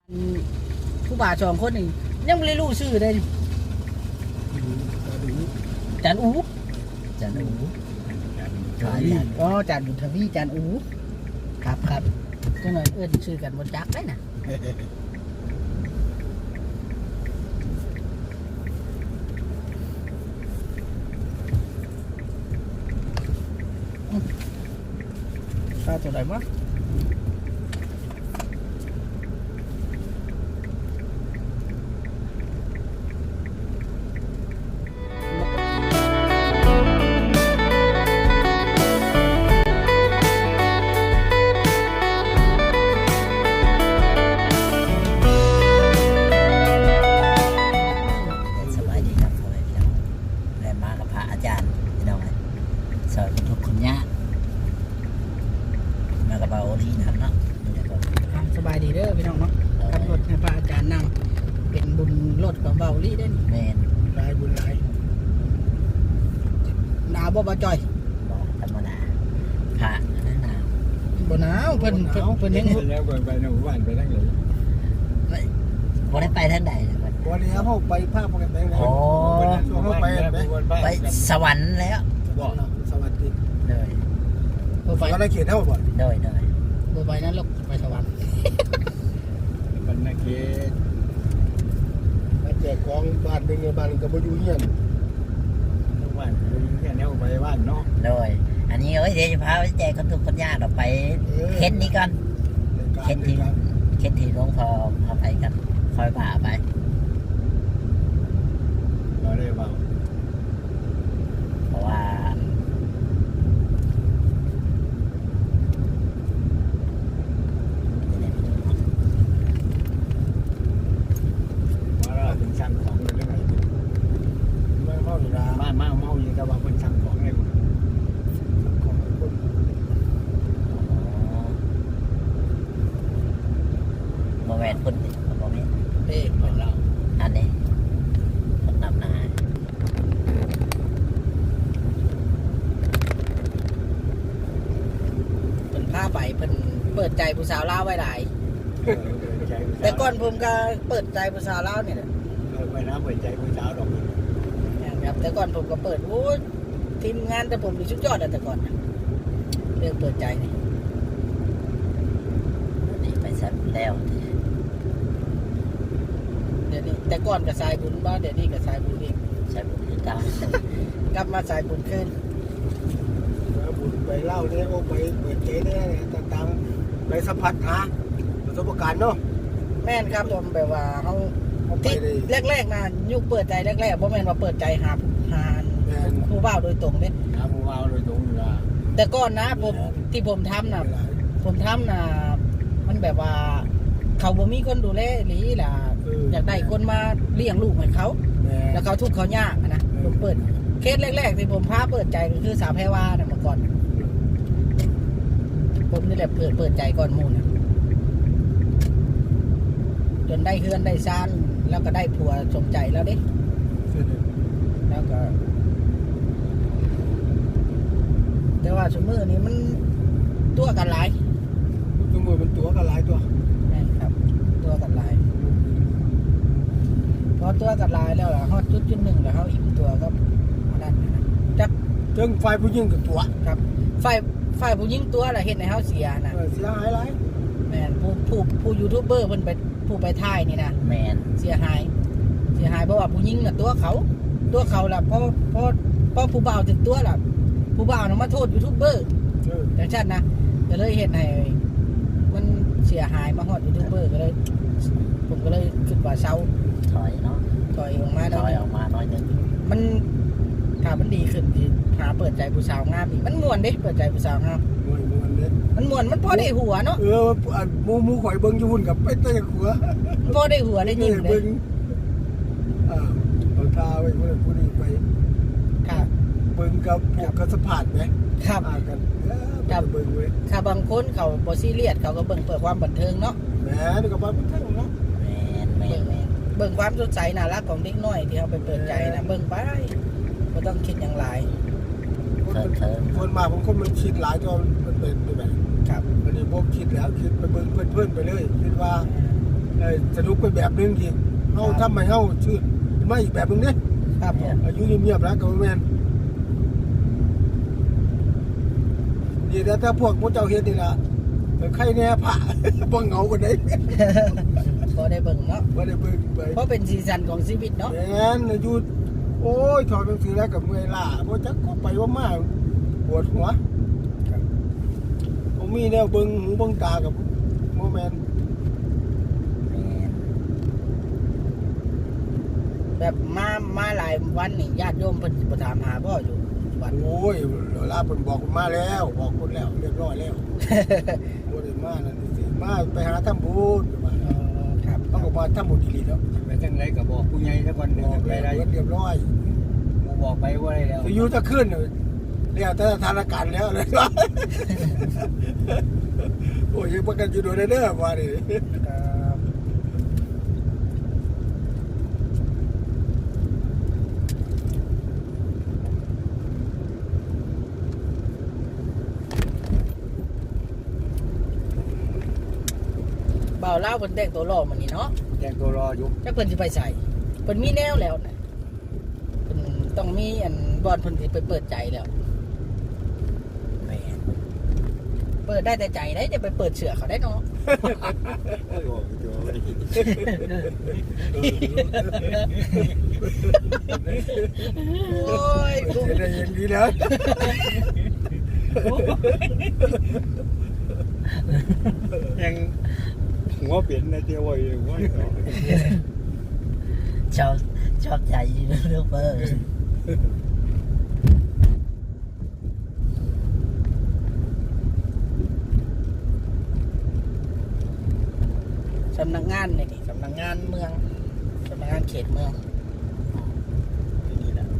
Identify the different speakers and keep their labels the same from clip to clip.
Speaker 1: ผู้บ่าว2คนนี่ยังบ่ได้รู้ชื่อเลยจานอูจานอูอ๋อจานบุญทวีจานอูครับจังหน่อยเอิ้นชื่อกันบ่จักได้น่ะข้าวตัวไหนมั้งสบายดีครับพ่อแม่พี่น้องได้มากับพระอาจารย์พี่น้องสอนทุกคนยากมากระเป๋าที่นั่นเนาะสบายดีเด้อพี่น้องเนาะขับรถให้พระอาจารย์นั่งเป็นบุญรถกับเบาลี่ได้แม่นลายบุญลายหนาวบ่จอยบ่ธรรมดาพระนั่นหนาวบ่หนาวเพิ่นเห็น
Speaker 2: แล้วไปหมู่บ้านไปทางไหน
Speaker 1: บ่ได้ไปทางใดเลยบ่
Speaker 2: ได้เฮาไปภาคปกติแล้วเฮาไป
Speaker 1: สวรรค์แล้ว
Speaker 2: บ่สวัสดี
Speaker 1: เลย
Speaker 2: บ่ไปในเขตเฮาบ่
Speaker 1: เลยบ่ไปนั้นลูกไปสวรรค์
Speaker 2: บรรณเขตมาแจกของบ้านนึงบ้านก็บ่อยู่เฮียนบ้านบ่อยู่เฮียนแล้วไปบ้านเนาะ
Speaker 1: เลยอันนี้เดี๋ยวจะพาไปแจกคนทุกคนยากเราไปเข็นนี้ก่อนเข็นที่หลวงพ่อเอาไปกันคอยผ่าไป
Speaker 2: เราได้เบา
Speaker 1: เพราะว่า
Speaker 2: เป็นช่างของเลยได้ไหมไม่เมาอยู่นะบ้านเมาอยู่แต่ว่าเป็นช่างของเลยของคน
Speaker 1: โมเมนต์พุ่นโมเมนต์เอ๊ะคนเราอันนี้คนนำหน้าเป็นผ้าใบเป็นเปิดใจผู้สาวเล่าไว้หลายแต่ก่อนผมก็เปิดใจผู้สาวเล่าเนี่ย
Speaker 2: ไปน้ำเปิดใจผู้สาวดอก
Speaker 1: ครับแต่ก่อนผมก็เปิดโอ้ทีมงานแต่ผมมีชุดยอดแต่ก่อนเรื่องเปิดใจนี่ไปสักแล้วเดี๋ยวนี้แต่ก่อนกับสายบุญบ้านเดี๋ยวนี้กับสายบุญอีกสายบุญคือเก่ากลับมาสายบุญขึ้น
Speaker 2: บุญไปเล่าเนี่ยโอ้ไปเปิดใจเนี่ยต่างๆไปสัมผัสหาประสบการณ์เนาะ
Speaker 1: แม่นครับผมแบบว่าเขาที่แรกๆนะยุคเปิดใจแรกๆเพราะแม่นว่าเปิดใจหาผู้บ่าวโดยตรงเนี่ย
Speaker 2: หาผู้บ่าวโดยตรงอยู่ละ
Speaker 1: แต่ก่อนนะผมที่ผมทำนะมันแบบว่าเขาบ่มีคนดูแลหรือล่ะอยากได้คนมาเลี้ยงลูกให้เขาแล้วเขาทุกข์เขายากนะผมเปิดเคสแรกๆที่ผมพาเปิดใจก็คือสาวแพรวานะเมื่อก่อนผมนี่แหละเปิดใจก่อนหมู่นะจนได้เฮือนได้ซานแล้วก็ได้ผัวสมใจแล้วดิแล้วก็แต่ว่าสมมือนี้มันตัวกันหลาย
Speaker 2: สมมือมันตัวกันหลายตัว
Speaker 1: นี่ครับตัวกันหลายพอตัวกันหลายแล้วล่ะฮอดจุดหนึ่งแล้วเขาอิ่มตัวก็มาดันนะจับ
Speaker 2: จึงไฟผู้หญิงกับตัว
Speaker 1: ครับไฟผู้หญิงตัวล่ะเห็นในเขาเสียนะ
Speaker 2: เสียหายหลาย
Speaker 1: แมนผู้ยูทูบเบอร์เพิ่นไปผู้ไปถ่ายนี่นะแมนเสียหายเพราะว่าผู้หญิงน่ะตัวเขาล่ะเพราะผู้บ่าวถึงตัวล่ะผู้บ่าวน่ะมาโทษยูทูบเบอร์แต่ชัดนะก็เลยเห็นให้มันเสียหายมาฮอดยูทูบเบอร์ก็เลยผมก็เลยคิดว่าเซาถอยเนาะถอยออกมาน้อยนึงมันถ้ามันดีขึ้นที่หาเปิดใจผู้สาวงามอีกมันม่วนเด้เปิดใจผู้สาวงามมันม่วนมันพอได้หัวเนาะ
Speaker 2: มูข่อยเบิ่งอยู่หุ่นกับไปเตะหัว
Speaker 1: พอได้หัวได้ยิงเลย
Speaker 2: เอาท่าไว้ผู้นี้ไป
Speaker 1: ครับ
Speaker 2: เบิ่งกับพวกกระสพาดไหม
Speaker 1: ครับ
Speaker 2: กับเบิ่งไว้
Speaker 1: ถ้าบางคนเขาบ่ซีเรียสเขาก็เบิ่งเพื่อความบันเทิงเนาะ
Speaker 2: แหมนี่ก็บ่บันเทิงเนาะ
Speaker 1: แม่นเบิ่งความสดใสน่ารักของเด็กน้อยที่เขาไปเปิดใจนะเบิ่งไปบ่ต้องคิดอย่างไร
Speaker 2: คนมาบางคนมันคิดหลายจนมันเป็นแบบครับอันนี้พวกคิดแล้วคิดไปเบิ่งเพื่อนไปเลยคิดว่าสนุกเป็นแบบนึงอีกเฮาทำให้เฮาชื่นไม่อีกแบบนึงเด้
Speaker 1: ครับผม
Speaker 2: อายุเงียบๆแล้วก็แม่นนี่ถ้าพวกพวกเจ้าเฮ็ดนี่ล่ะใครแน่ผ่า บ่เหงากันได้
Speaker 1: พอได้เบิ่งเนาะ
Speaker 2: บ่ได้เบิ่งไป
Speaker 1: เพราะเป็นสีสันของชีวิตเนาะ
Speaker 2: แม่นอายุโอ้ยถอดหนังสือแล้วก็เมื่อยล้าบ่จักก็ไปว่ามาปวดหัวบ่มีแนวเบิ่งหูเบิ่งตากับบ่แม่น
Speaker 1: แบบมาหลายวันนี่ญาติโยมเพิ่นสิมาถามหาพ่ออยู่วัด
Speaker 2: โอ้ยเวลาเพิ่นบอกมาแล้วบอกคนแล้วเรียบร้อยแล้ว บ่ได้มานั่นสิมาไปหาทำบุญว่า
Speaker 1: ครับ
Speaker 2: ต้องก็มาทำบุญดีๆแล้ว
Speaker 3: ไปจังไรก็บอกผู้ใหญ่สักวันหนึ่ง
Speaker 2: บอก
Speaker 3: ไป
Speaker 2: แล้ว
Speaker 3: ได้
Speaker 2: เรียบร้อย
Speaker 3: บอกไปว่าได้แล้ว
Speaker 2: สิอยู่จะขึ้นแล้วแต่สถานการณ์แล้วเลย โอ้ยยังประกันอยู่โดนเด้อว่าดิ
Speaker 1: ครับบ่าวเล่าวเพิ่นแต่งตัวหล่อมื้อนี้เนาะ
Speaker 3: แจ้งตัวรออยู่
Speaker 1: จักเพิ่นสิไปใส่เพิ่นมีแนวแล้วนะเพิ่นต้องมีอันบอนเพิ่นสิไปเปิดใจแล้ว
Speaker 3: แม่
Speaker 1: เปิดได้แต่ใจได้จะไปเปิดเสือเขาได้เนาะ
Speaker 3: โอ้ยบอกอยู่ว่าได้
Speaker 1: โอ้ย
Speaker 2: เสียได้อย่างดีแล้ว
Speaker 3: ยังหัวเปลี่ยนนะเดียวไว้หัว
Speaker 4: ชอบใจเรื่องเบอร์
Speaker 1: สำนักงานนี่สำนักงานเมืองสำนักงานเขตเมืองนี่แหละ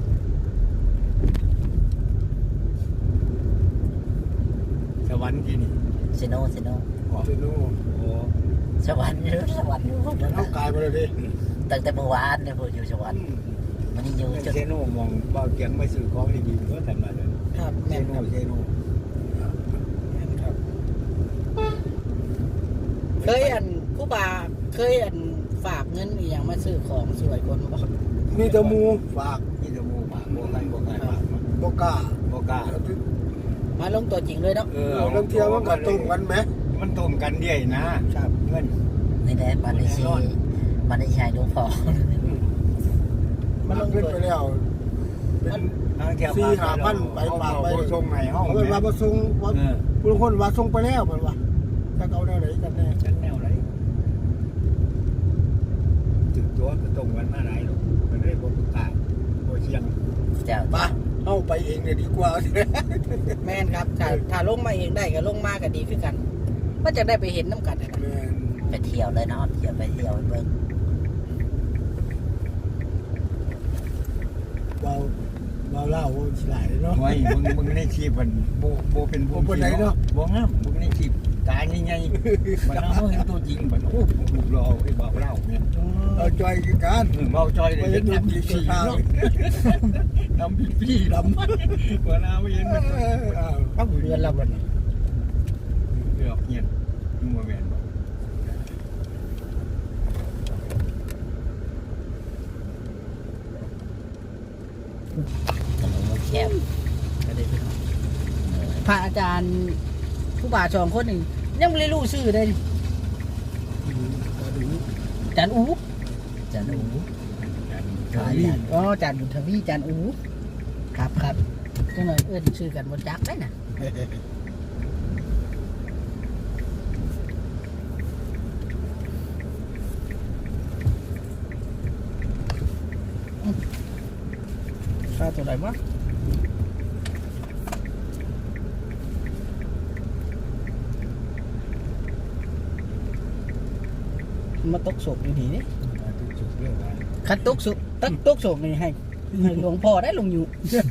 Speaker 3: สวรรค์ที่นี่
Speaker 4: เซโน
Speaker 2: เสียโน่
Speaker 3: โอ้
Speaker 4: สวรรค์สวรรค์
Speaker 2: มันเข้ากายมาเลยดิ
Speaker 4: ตั้งแต่เมื่อวานเนี่ยผมอยู่สวรรค์มันยังอยู่จน
Speaker 3: เซโนมองเบาเกียงไม่ซื้อของดีๆก็ทำมาเลย
Speaker 1: ครับ
Speaker 3: เซ
Speaker 1: แม่น
Speaker 3: โน
Speaker 1: ครับ
Speaker 3: เซโน
Speaker 1: แม่นครับเคยอันผู้บาเคยอันฝากเงินอีหยังมาซื้อของสวยคนบ่
Speaker 2: มีแตะมูฝาก
Speaker 3: นี่จะมูปากโบกันโบกันปาก
Speaker 2: บ่กล้า
Speaker 3: โบกล้า
Speaker 1: มาลงตัวจริงเลยเนาะ
Speaker 2: เรื่องเที่ยวมันก็ตรงกันไหม
Speaker 3: มันตรงกันเดียนะครับ เงิน
Speaker 4: ในแดนมันได้ชีมันได้ชายดูพอ
Speaker 2: มันลงขึ้นไปแล้วเป็น 4-5,000ไปปากไป
Speaker 3: ส่งใหม่ห้อง
Speaker 2: เอาเป็นว่าบ่ส่งว่าผู้คนว่าส่งไปแล้วเพิ่นว่าถ้าเอาแนวไหนกันแน่
Speaker 3: ฉันแนวไรถึงตัวก็ตรงกันมาไหนหรอกมันได้โบกล้าโบเชียง
Speaker 4: เจ้า
Speaker 2: ป่ะเอาไปเองเนี่ยดีกว่า
Speaker 1: แม่นครับถ้าลงมาเองได้ก็ลงมาก็ดีขึ้นกันมันจะได้ไปเห็นน้ำกันนะ
Speaker 2: แม่น
Speaker 4: ไปเที่ยวเลยเนาะเที่ยวไปเที่ยวเบิ่ง
Speaker 2: เบาเล่าฉลาดเนาะ
Speaker 3: ไว้มึงในชีพมันโบเป็นโบงงามมึงในชีพตายง่ายๆมันเอาเห็นตัวจริงมันโอ้ถูกรอไอ้บ่าวเล่าเนี่ย
Speaker 2: เอาจอยกัน
Speaker 3: เบาจอยเลยทำพี่เนาะทำพี่ดำว่าน้าไม่เห็นมัน
Speaker 1: ต้องเรือนเราบน
Speaker 3: เกือบเงียบมึงมาแมนบอก
Speaker 4: ถนนมันแคบ
Speaker 1: ก็ได้ขึ้นพระอาจารย์ผู้บาสองคนนี่ยังไม่ได้รู้ชื่อเลยอาจารย์อู
Speaker 4: จะหนู
Speaker 1: อ๋ออาจารย์บุญทวีอาจารย์อูครับครับจังหน่อยเอื้อนชื่อกันบนจักได้น่ะค่าตัวไหนวะมาตกศพอยู่ดีนี่
Speaker 3: ทุกสุดเรื่องว่า
Speaker 1: คันตกศพศพนี่ให้หลวงพ่อได้ลงอยู่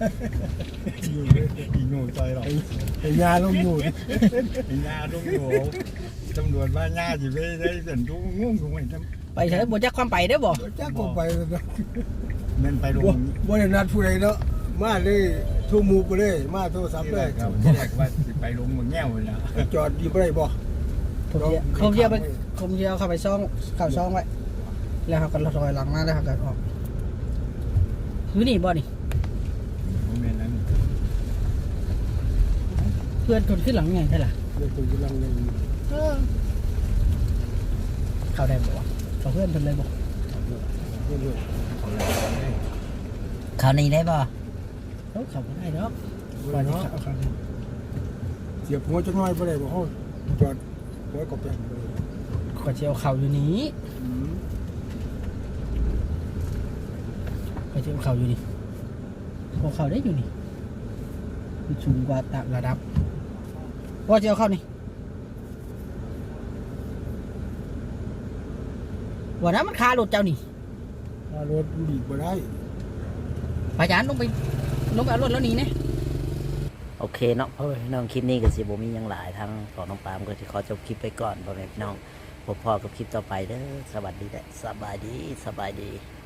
Speaker 3: อีโง่ใจหรอก
Speaker 2: ไอ้ยาลงอยู่
Speaker 3: อีญาลุงโง่ตำรวจว่าญาสิไปได้เส้นทุกงงถูกไหมทำ
Speaker 1: ไปใช้บนจักความไปได้บ่
Speaker 2: จ้าก็ไปแล้วเนาะ
Speaker 3: มันไปลง
Speaker 2: บ่ได้นัดผู้ใดเนาะมาเลยโทรหมู่ไปเลยมาโทรศัพท์
Speaker 3: ที่
Speaker 2: เล
Speaker 3: แร
Speaker 2: ย
Speaker 3: กครับที่แรกว่าสิไปลงเมืองแง่วเลยนะ
Speaker 2: จอดอยู่บ่ได้บ่
Speaker 1: เขาเรียกไปผมจะเอาเข้าไปซ่องเข้าซ่องไว้แล้วเขาก็ถอยหลังมาแล้วเขาก็ออกอยู่นี่บ่นี่
Speaker 3: บ่แม่นนั้น
Speaker 1: เพื่อนคนขึ้นหลังไงใช่ล่ะ
Speaker 2: เดี๋ยวตัวกำลังยัง
Speaker 1: เข้าได้บ่วะเขาเพื่อนเพิ่นเลยบ่
Speaker 2: เรื่อย
Speaker 3: เขาเลยได้
Speaker 4: คราวนี้ได้ป่ะ
Speaker 1: เขาเข้าบ่ได้ดอก
Speaker 2: ๆ
Speaker 1: ก่อนที่
Speaker 2: เนาะ
Speaker 1: เขาเข้าได้
Speaker 2: เสียบหัวจักหน่อยบ่ได้บ่เฮาจอดหัวก็แปลงบ่ได้
Speaker 1: ขอเจียวเข่าอยู่นี้
Speaker 2: อืม
Speaker 1: ขอเจียวเข่าอยู่นี่ขอเข่าได้อยู่นี่มันสูงกว่าระดับพอเจียวเข่านี่วันนั้นมันคาหลุดเจ้านี่
Speaker 2: ถ้ารถบีบบ่ได้
Speaker 1: พยานลงไปเอารถแล้วหนีเนี่ย
Speaker 4: โอเคเนาะพ่อแม่พี่น้องคลิปนี้ก็สิบ่มีหยังหลายทั้งของน้องปามก็สิขอจบคลิปไปก่อนพ่อแม่พี่น้องพบพ่อกับคลิปต่อไปเด้อสวัสดีและสบายดี